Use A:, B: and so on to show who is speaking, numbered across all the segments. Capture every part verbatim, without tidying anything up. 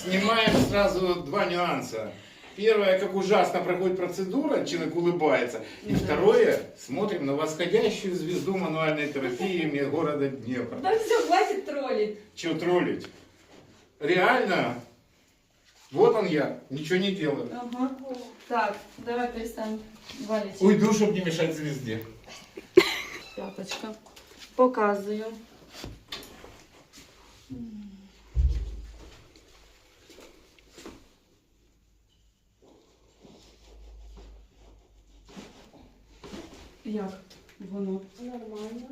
A: Снимаем сразу два нюанса. Первое, как ужасно проходит процедура, человек улыбается. И второе, смотрим на восходящую звезду мануальной терапии города Днепра.
B: Да все, хватит троллить.
A: Чего троллить? Реально, вот он я, ничего не делаю.
B: Ага. Так, давай перестанем валить.
A: Уйду, чтобы не мешать звезде.
B: Пяточка. Показую. Як воно?
C: Нормально.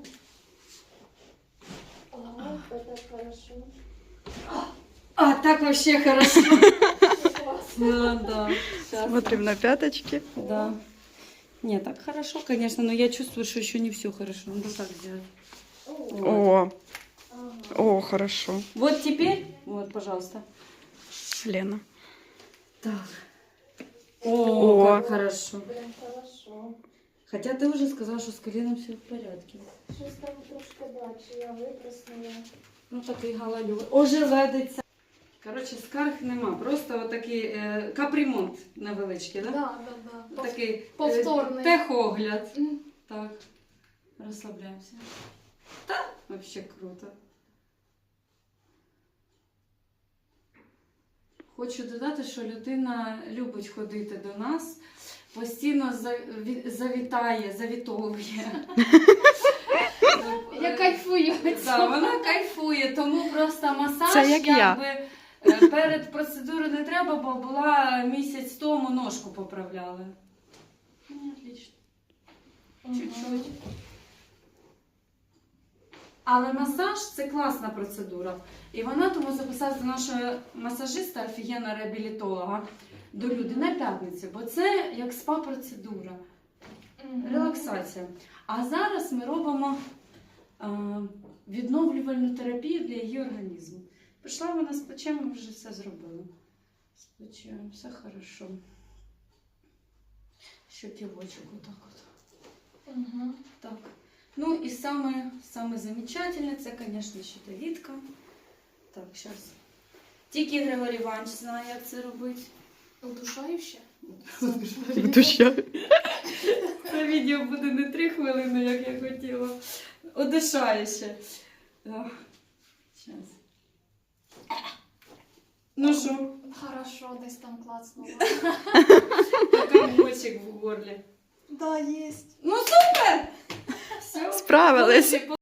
C: А, это хорошо.
B: А, так вообще хорошо.
C: Классно.
B: Ну да. Сейчас.
D: Смотрим на пяточки.
B: Да. Не, так хорошо, конечно, но я чувствую, что еще не все хорошо. Надо так сделать.
C: О,
D: О,
C: ага.
D: о, хорошо.
B: Вот теперь, вот, пожалуйста.
D: Лена.
B: Так. О,
D: О.
B: как хорошо.
C: Прям хорошо.
B: Хотя ты уже сказала, что с коленом все в порядке.
C: Щось там трошки дальше, я витруснула.
B: Ну такий галалю. Ожеледиться. Коротше, скарг нема. Просто отакий е, капремонт невеличкий,
C: Да,
B: да?
C: да, да.
B: Такий е,
C: повторний.
B: техогляд.
C: М.
B: Так. Розслабляємося. Та, вообще круто. Хочу додати, що людина любить ходити до нас, постійно заві- завітає, завітовує.
C: Я кайфую від
B: Да,
C: цього.
B: вона кайфує, тому просто масаж
D: Це як я.
B: якби, е, перед процедурою не треба, бо була місяць тому ножку поправляли. Ну, отлично. Чуть-чуть. Але масаж це класна процедура. І вона тому записалася до нашого масажиста, офігенного реабілітолога, до люди на п'ятницю, бо це як спа-процедура,
C: Мгм.
B: релаксація. А зараз ми робимо е, відновлювальну терапію для її організму. Прийшла вона з плечем, ми вже все зробили. З плечем, все хорошо. Щоківочок отак от.
C: Мгм.
B: Так. Ну і саме, саме замечательне, це, звісно, щитовідка. Так, зараз. Тільки Григорій Іванович знає, як це робити.
C: Удушающе?
D: Душа.
B: Це відео буде не три хвилини, як я хотіла. Одишаюче. Зараз. Ну що,
C: Хорошо, десь там клацнула.
B: комочок в горлі.
C: Да, есть.
B: Ну супер! Все.
D: Справились.